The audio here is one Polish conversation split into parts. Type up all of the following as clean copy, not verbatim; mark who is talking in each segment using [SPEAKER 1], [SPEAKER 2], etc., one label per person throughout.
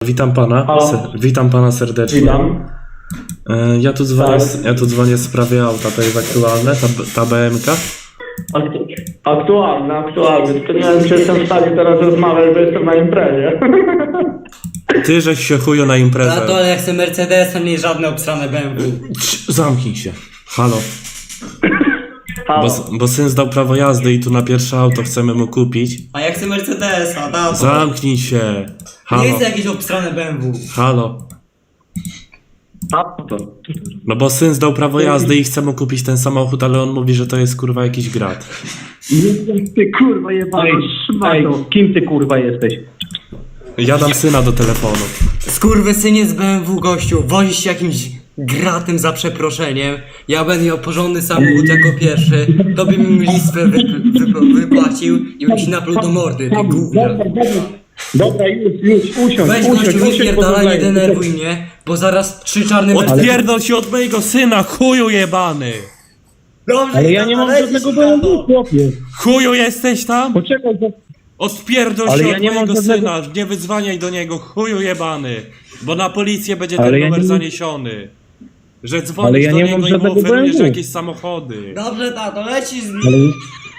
[SPEAKER 1] Witam pana.
[SPEAKER 2] Halo.
[SPEAKER 1] Witam pana serdecznie.
[SPEAKER 2] Witam.
[SPEAKER 1] Ja tu dzwonię w sprawie auta. To jest aktualne? Ta BMK?
[SPEAKER 2] Aktualne. Tylko nie wiem, czy jestem w stanie teraz rozmawiać, bo jestem na imprezie.
[SPEAKER 1] Ty żeś się chuju na
[SPEAKER 3] A
[SPEAKER 1] imprezę.
[SPEAKER 3] to ale ja chcę Mercedesa, nie żadne obsrane BMW.
[SPEAKER 1] Zamknij się. Halo.
[SPEAKER 2] Halo.
[SPEAKER 1] Bo syn zdał prawo jazdy i tu na pierwsze auto chcemy mu kupić.
[SPEAKER 3] A ja chcę Mercedesa, tato.
[SPEAKER 1] Zamknij się.
[SPEAKER 3] Nie
[SPEAKER 1] Halo.
[SPEAKER 3] chcę jakieś obsrane BMW.
[SPEAKER 1] Halo.
[SPEAKER 2] Auto.
[SPEAKER 1] No bo syn zdał prawo jazdy i chce mu kupić ten samochód, ale on mówi, że to jest kurwa jakiś grat.
[SPEAKER 2] Ty kurwa jebana szmato. Kim ty kurwa jesteś?
[SPEAKER 1] Ja dam syna do telefonu.
[SPEAKER 3] Skurwysynie z BMW, gościu. Wozisz się jakimś gratem za przeproszeniem. Ja będę miał porządny samochód jako pierwszy. To bym listwę wypłacił i bym ci napluł do mordy, ty gówno.
[SPEAKER 2] Dobra, już,
[SPEAKER 3] Weź gościu, wypierdalaj, nie denerwuj mnie, bo zaraz 3 czarne
[SPEAKER 1] Odpierdol się od mojego syna, chuju jebany!
[SPEAKER 3] Dobrze,
[SPEAKER 2] Ale ja nie mam żadnego BMW, chłopie.
[SPEAKER 1] Chuju jesteś tam?
[SPEAKER 2] Poczekaj,
[SPEAKER 1] Odpierdol
[SPEAKER 2] Ale
[SPEAKER 1] się
[SPEAKER 2] ja
[SPEAKER 1] od
[SPEAKER 2] nie mam
[SPEAKER 1] mojego
[SPEAKER 2] żadnego-
[SPEAKER 1] syna, nie wydzwaniaj do niego, chuju jebany! Bo na policję będzie
[SPEAKER 2] Ale
[SPEAKER 1] ten
[SPEAKER 2] ja
[SPEAKER 1] numer
[SPEAKER 2] nie-
[SPEAKER 1] zaniesiony. Że
[SPEAKER 2] Ale
[SPEAKER 1] dzwonisz
[SPEAKER 2] ja
[SPEAKER 1] do
[SPEAKER 2] nie
[SPEAKER 1] niego
[SPEAKER 2] mam
[SPEAKER 1] i mu
[SPEAKER 2] żadnego
[SPEAKER 1] oferujesz
[SPEAKER 2] BMW.
[SPEAKER 1] jakieś samochody.
[SPEAKER 3] Dobrze, tato, lecisz z nim.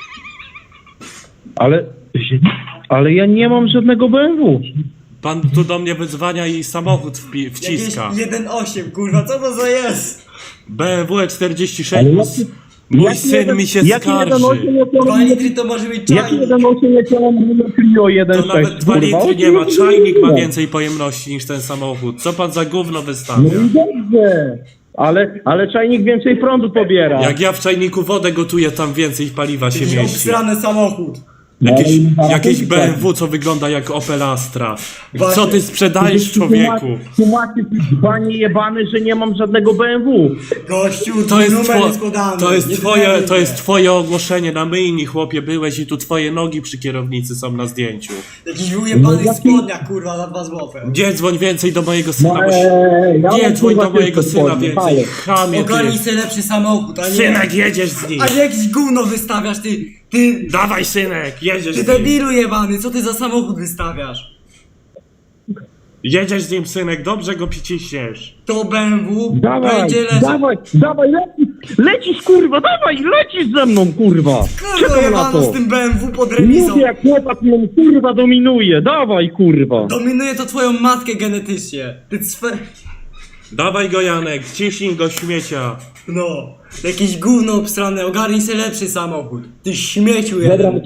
[SPEAKER 2] ale ja nie mam żadnego BMW.
[SPEAKER 1] Pan tu do mnie wydzwania i samochód
[SPEAKER 3] Jakieś
[SPEAKER 1] wciska.
[SPEAKER 3] 1.8, kurwa, co to za jest?
[SPEAKER 1] BMW 46
[SPEAKER 2] Ale
[SPEAKER 1] mój
[SPEAKER 2] jaki
[SPEAKER 1] syn
[SPEAKER 2] jeden-
[SPEAKER 1] mi się
[SPEAKER 2] jaki
[SPEAKER 1] skarży.
[SPEAKER 2] 1.8 nie
[SPEAKER 3] 2
[SPEAKER 2] chciałem-
[SPEAKER 3] litry to może być
[SPEAKER 2] Jaki
[SPEAKER 3] czajnik.
[SPEAKER 2] 1.8 nie chciałem Clio
[SPEAKER 1] To
[SPEAKER 2] 1.6?
[SPEAKER 1] nawet 2 litry nie ma, czajnik ma więcej pojemności niż ten samochód. Co pan za gówno
[SPEAKER 2] No
[SPEAKER 1] wystawia?
[SPEAKER 2] i dobrze. Ale czajnik więcej prądu pobiera.
[SPEAKER 1] Jak ja w czajniku wodę gotuję, tam więcej paliwa się
[SPEAKER 3] Jakiś
[SPEAKER 1] mieści.
[SPEAKER 3] obsrany samochód.
[SPEAKER 1] Jakieś BMW, co wygląda jak Opel Astra.
[SPEAKER 3] Właśnie.
[SPEAKER 1] Co ty sprzedajesz, człowieku?
[SPEAKER 2] Tłumaczy, panie jebany, że nie mam żadnego BMW.
[SPEAKER 3] Gościu,
[SPEAKER 1] To jest,
[SPEAKER 3] numer jest podany.
[SPEAKER 1] to jest
[SPEAKER 3] Nie
[SPEAKER 1] twoje,
[SPEAKER 3] denerwuj
[SPEAKER 1] to
[SPEAKER 3] mnie.
[SPEAKER 1] jest twoje ogłoszenie na myjni, chłopie, byłeś i tu twoje nogi przy kierownicy są na zdjęciu.
[SPEAKER 3] Jakiś wyjebany
[SPEAKER 2] No,
[SPEAKER 3] w spodniach, kurwa, za 2 złote.
[SPEAKER 1] Nie dzwoń więcej do mojego syna, bo
[SPEAKER 2] ja
[SPEAKER 1] nie
[SPEAKER 2] mam,
[SPEAKER 1] dzwoń
[SPEAKER 2] kurwa,
[SPEAKER 1] do mojego
[SPEAKER 2] tylko
[SPEAKER 1] syna
[SPEAKER 2] spodnie,
[SPEAKER 1] więcej,
[SPEAKER 2] ale-
[SPEAKER 1] chamie
[SPEAKER 3] Ogarnij
[SPEAKER 1] ty.
[SPEAKER 3] sobie lepszy samochód, a nie...
[SPEAKER 1] Synek, jedziesz z nim.
[SPEAKER 3] A nie jakiś gówno wystawiasz, ty
[SPEAKER 1] Dawaj, synek, jedziesz z nim.
[SPEAKER 3] debilu jebany, co ty za samochód wystawiasz?
[SPEAKER 1] Jedziesz z nim, synek, dobrze go przyciśniesz.
[SPEAKER 3] To BMW
[SPEAKER 2] Dawaj,
[SPEAKER 3] będzie leżał.
[SPEAKER 2] dawaj, lecisz kurwa, lecisz ze mną kurwa.
[SPEAKER 3] Kurwa
[SPEAKER 2] Czekam na
[SPEAKER 3] jebano
[SPEAKER 2] to.
[SPEAKER 3] z tym BMW pod remizą.
[SPEAKER 2] Mówię jak chłopak mnie kurwa dominuje, dawaj kurwa.
[SPEAKER 3] Dominuje to twoją matkę genetycznie. Ty cwe...
[SPEAKER 1] Dawaj go, Janek, ciśnij go, śmiecia.
[SPEAKER 3] No, jakieś gówno obstrane, ogarnij sobie lepszy samochód. Ty śmieciu
[SPEAKER 2] Dobra,
[SPEAKER 3] jeden.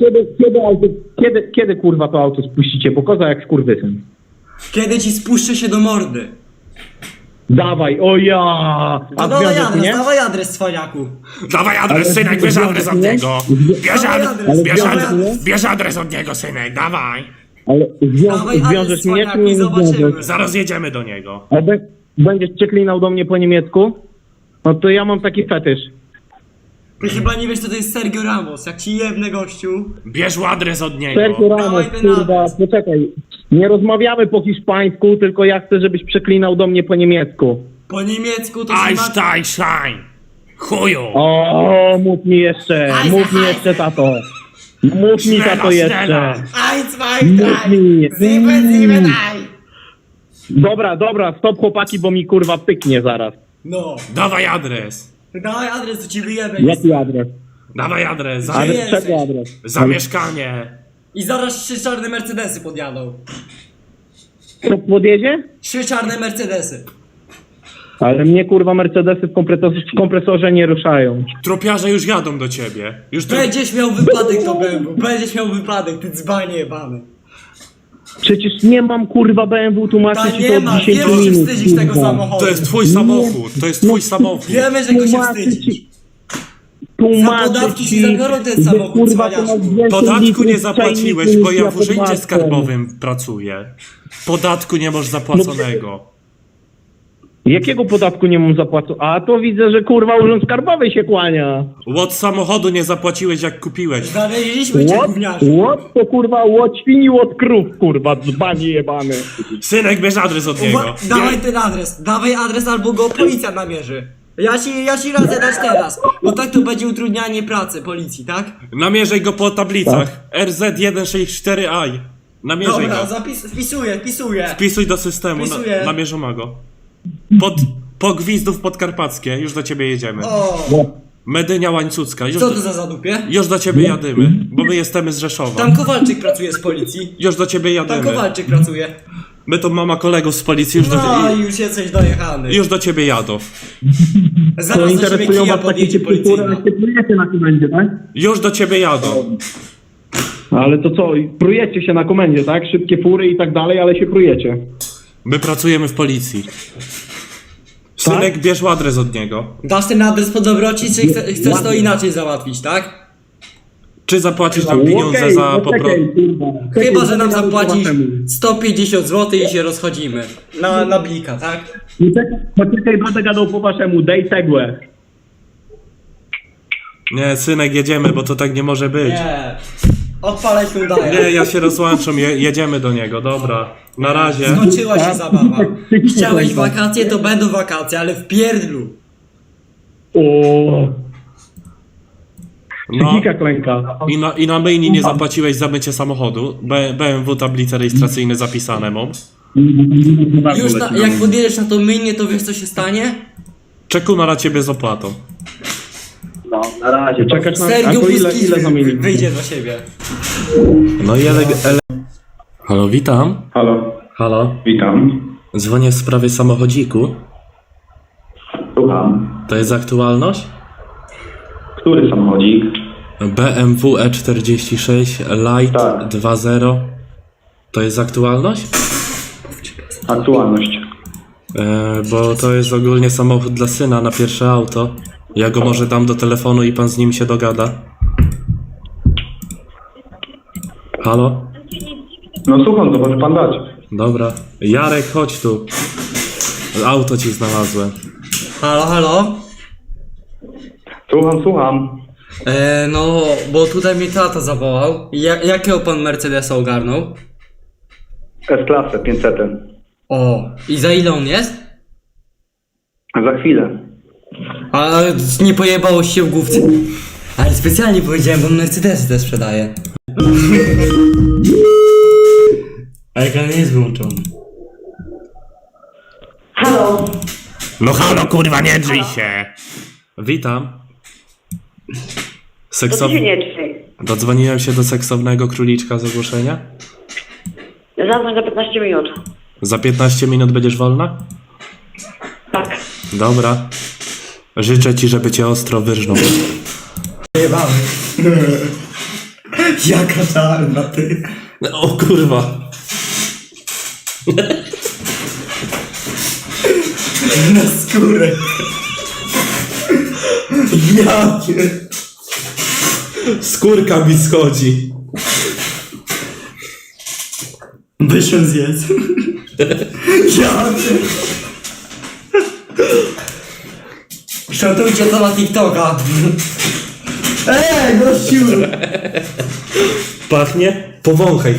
[SPEAKER 2] kiedy kurwa to auto spuścicie, bo koza jak skurwysyn.
[SPEAKER 3] Kiedy ci spuszczę się do mordy?
[SPEAKER 2] Dawaj, o ja!
[SPEAKER 3] To
[SPEAKER 2] A
[SPEAKER 3] dawaj
[SPEAKER 2] związek
[SPEAKER 3] adres,
[SPEAKER 2] mnie?
[SPEAKER 3] dawaj adres, cwaniaku.
[SPEAKER 1] Dawaj adres, synek, bierz adres od niego. Bierz
[SPEAKER 3] Dawaj adres,
[SPEAKER 1] bierz
[SPEAKER 3] dawaj
[SPEAKER 1] adres,
[SPEAKER 3] adres.
[SPEAKER 1] bierz adres od niego, synek, dawaj.
[SPEAKER 2] Ale
[SPEAKER 3] Dawaj
[SPEAKER 2] zwiążesz
[SPEAKER 3] adres,
[SPEAKER 2] mnie, czy
[SPEAKER 3] cwaniaku,
[SPEAKER 2] nie
[SPEAKER 3] i zobaczymy.
[SPEAKER 2] zwiążesz?
[SPEAKER 1] Zaraz jedziemy do niego.
[SPEAKER 2] A będziesz przeklinał do mnie po niemiecku? No to ja mam taki fetysz.
[SPEAKER 3] Ty chyba nie wiesz, co to jest Sergio Ramos. Jak ci jebnę, gościu.
[SPEAKER 1] Bierz adres od niego.
[SPEAKER 2] Sergio Ramos,
[SPEAKER 3] Dawaj ten
[SPEAKER 2] kurwa,
[SPEAKER 3] adres.
[SPEAKER 2] poczekaj. Nie rozmawiamy po hiszpańsku, tylko ja chcę, żebyś przeklinał do mnie po niemiecku.
[SPEAKER 3] Po niemiecku to się ma...
[SPEAKER 1] Einstein, chuju.
[SPEAKER 2] O, mów mi jeszcze, mów mi jeszcze, tato. Mów mi, tato, jeszcze.
[SPEAKER 3] Eins, zwei,
[SPEAKER 2] Mów mi.
[SPEAKER 3] sieben,
[SPEAKER 2] Dobra, stop chłopaki, bo mi kurwa pyknie zaraz.
[SPEAKER 3] No.
[SPEAKER 1] Dawaj adres.
[SPEAKER 3] Dawaj adres, to ci wyjebę.
[SPEAKER 2] Jaki adres?
[SPEAKER 1] Dawaj adres.
[SPEAKER 2] Adres
[SPEAKER 3] jesteś?
[SPEAKER 2] czego adres?
[SPEAKER 1] Za mieszkanie.
[SPEAKER 3] I zaraz 3 czarne Mercedesy podjadą.
[SPEAKER 2] Co podjedzie?
[SPEAKER 3] 3 czarne Mercedesy.
[SPEAKER 2] Ale mnie kurwa Mercedesy w kompresorze nie ruszają.
[SPEAKER 1] Tropiarze już jadą do ciebie. Już tu...
[SPEAKER 3] Będziesz miał wypadek to BMW. Będziesz miał wypadek, ty dzbanie jebany.
[SPEAKER 2] Przecież nie mam kurwa BMW, tłumaczę
[SPEAKER 3] Ta
[SPEAKER 2] ci
[SPEAKER 3] nie
[SPEAKER 2] to od
[SPEAKER 3] ma,
[SPEAKER 2] 10
[SPEAKER 3] wiesz, się
[SPEAKER 2] minut.
[SPEAKER 3] wstydzisz tego
[SPEAKER 2] kurwa.
[SPEAKER 3] samochodu.
[SPEAKER 1] To jest twój samochód. To jest twój samochód.
[SPEAKER 3] Wiemy, że go się
[SPEAKER 2] Tłumaczę
[SPEAKER 3] wstydzisz.
[SPEAKER 2] ci- Tłumaczę
[SPEAKER 3] Za podatki
[SPEAKER 2] ci,
[SPEAKER 3] ci zabiorą ten
[SPEAKER 2] że,
[SPEAKER 3] samochód,
[SPEAKER 2] kurwa, to
[SPEAKER 3] cwaniaczku.
[SPEAKER 2] masz więcej
[SPEAKER 1] Podatku
[SPEAKER 2] litrów
[SPEAKER 1] nie
[SPEAKER 2] w
[SPEAKER 1] zapłaciłeś,
[SPEAKER 2] czajniku
[SPEAKER 1] bo
[SPEAKER 2] niż
[SPEAKER 1] ja w
[SPEAKER 2] pod
[SPEAKER 1] urzędzie
[SPEAKER 2] maską.
[SPEAKER 1] skarbowym pracuję. Podatku nie masz zapłaconego.
[SPEAKER 2] Jakiego podatku nie mam zapłacony? A to widzę, że kurwa urząd skarbowy się kłania.
[SPEAKER 1] Łot samochodu nie zapłaciłeś jak kupiłeś.
[SPEAKER 3] Znaleźliśmy cię, gówniarzu.
[SPEAKER 2] Łot to kurwa łot świni, łot krów, kurwa, dzbanie jebany.
[SPEAKER 1] Synek, bierz adres od niego.
[SPEAKER 3] Dawaj ten adres, dawaj adres albo go policja namierzy. Ja ci radzę dać teraz, bo tak to będzie utrudnianie pracy policji, tak?
[SPEAKER 1] Namierzaj go po tablicach. RZ164i. Namierzaj
[SPEAKER 3] Dobra,
[SPEAKER 1] go.
[SPEAKER 3] wpisuję.
[SPEAKER 1] Wpisuj do systemu,
[SPEAKER 3] Wpisuję.
[SPEAKER 1] namierzona go. Po Gwizdów Podkarpackie, już do ciebie jedziemy.
[SPEAKER 3] O,
[SPEAKER 1] Medynia Łańcucka,
[SPEAKER 3] co to za zadupie?
[SPEAKER 1] już do ciebie jadymy, bo my jesteśmy z Rzeszowa.
[SPEAKER 3] Tam Kowalczyk pracuje z policji.
[SPEAKER 1] Już do ciebie
[SPEAKER 3] Tam
[SPEAKER 1] jadymy.
[SPEAKER 3] Kowalczyk pracuje.
[SPEAKER 1] My to mama kolegów z policji,
[SPEAKER 3] No i już jesteś dojechany.
[SPEAKER 1] już do ciebie jadą.
[SPEAKER 3] Zaraz do ciebie kija podjedzie policyjna.
[SPEAKER 2] Prujecie na komendzie, tak?
[SPEAKER 1] Już do ciebie jadą.
[SPEAKER 2] Ale to co, prujecie się na komendzie, tak? Szybkie fury i tak dalej, ale się prujecie.
[SPEAKER 1] My pracujemy w policji. Synek, bierz adres od niego.
[SPEAKER 3] Dasz ten adres po dobroci, czy chcesz to inaczej załatwić, tak?
[SPEAKER 1] Czy zapłacisz nam pieniądze za
[SPEAKER 3] Chyba, że nam zapłacisz 150 zł i się rozchodzimy. Na blika, tak?
[SPEAKER 2] Poczekaj, będę gadał po waszemu, daj cegłę.
[SPEAKER 1] Nie, synek, jedziemy, bo to tak nie może być.
[SPEAKER 3] Nie. Odpalaj Hyundai.
[SPEAKER 1] Nie, ja się rozłączam, jedziemy do niego, dobra. Na razie.
[SPEAKER 3] Skończyła się zabawa. Chciałeś wakacje, to będą wakacje, ale w pierdlu.
[SPEAKER 2] O,
[SPEAKER 1] No,
[SPEAKER 2] psychika klęka.
[SPEAKER 1] i na myjni nie zapłaciłeś za mycie samochodu. BMW tablice rejestracyjne zapisane mam.
[SPEAKER 3] Już jak podjedziesz na to myjnie, to wiesz co się stanie?
[SPEAKER 1] Czekuna na ciebie z opłatą.
[SPEAKER 2] No, na razie. Czekać na...
[SPEAKER 3] Sergiu
[SPEAKER 2] A to ile
[SPEAKER 3] Puskis
[SPEAKER 2] zamienili?
[SPEAKER 3] wyjdzie do siebie.
[SPEAKER 1] No i Halo, witam.
[SPEAKER 4] Halo,
[SPEAKER 1] Halo.
[SPEAKER 4] witam.
[SPEAKER 1] Dzwonię w sprawie samochodziku.
[SPEAKER 4] Słucham.
[SPEAKER 1] To jest aktualność?
[SPEAKER 4] Który samochodzik?
[SPEAKER 1] BMW E46 Light
[SPEAKER 4] Tak.
[SPEAKER 1] 2.0. To jest aktualność?
[SPEAKER 4] Aktualność.
[SPEAKER 1] Bo to jest ogólnie samochód dla syna na pierwsze auto. Ja go może dam do telefonu i pan z nim się dogada. Halo?
[SPEAKER 4] No słucham, to może pan dać.
[SPEAKER 1] Dobra. Jarek, chodź tu. Auto ci znalazłem.
[SPEAKER 3] Halo?
[SPEAKER 4] Słucham.
[SPEAKER 3] No, bo tutaj mnie tata zawołał. Jakiego pan Mercedesa ogarnął?
[SPEAKER 4] S-klasę 500.
[SPEAKER 3] O, i za ile on jest?
[SPEAKER 4] Za chwilę.
[SPEAKER 3] A nie pojebało się w główce. Ale specjalnie powiedziałem, bo Mercedesy też sprzedaje. A ekran nie jest wyłączony.
[SPEAKER 5] Halo,
[SPEAKER 1] No halo, kurwa, nie drzyj się! Witam.
[SPEAKER 5] to ty się nie drzyj.
[SPEAKER 1] Dodzwoniłem się do seksownego króliczka z ogłoszenia.
[SPEAKER 5] Zadzwoń za 15 minut.
[SPEAKER 1] Za 15 minut będziesz wolna?
[SPEAKER 5] Tak.
[SPEAKER 1] Dobra. Życzę ci, żeby cię ostro wyrżnął.
[SPEAKER 3] Jebany. Jaka czarna, ty.
[SPEAKER 1] O kurwa.
[SPEAKER 3] Na skórę. Jakie.
[SPEAKER 1] Skórka mi schodzi.
[SPEAKER 3] Wyszłem zjedz. Jakie. Szatujcie to na TikToka. Gościu.
[SPEAKER 1] Pachnie? Powąchaj.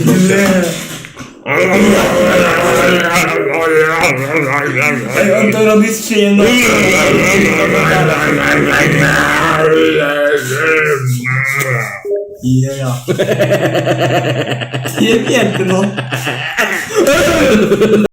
[SPEAKER 3] On to robi z przyjemnością. Yeah. Nie piękno.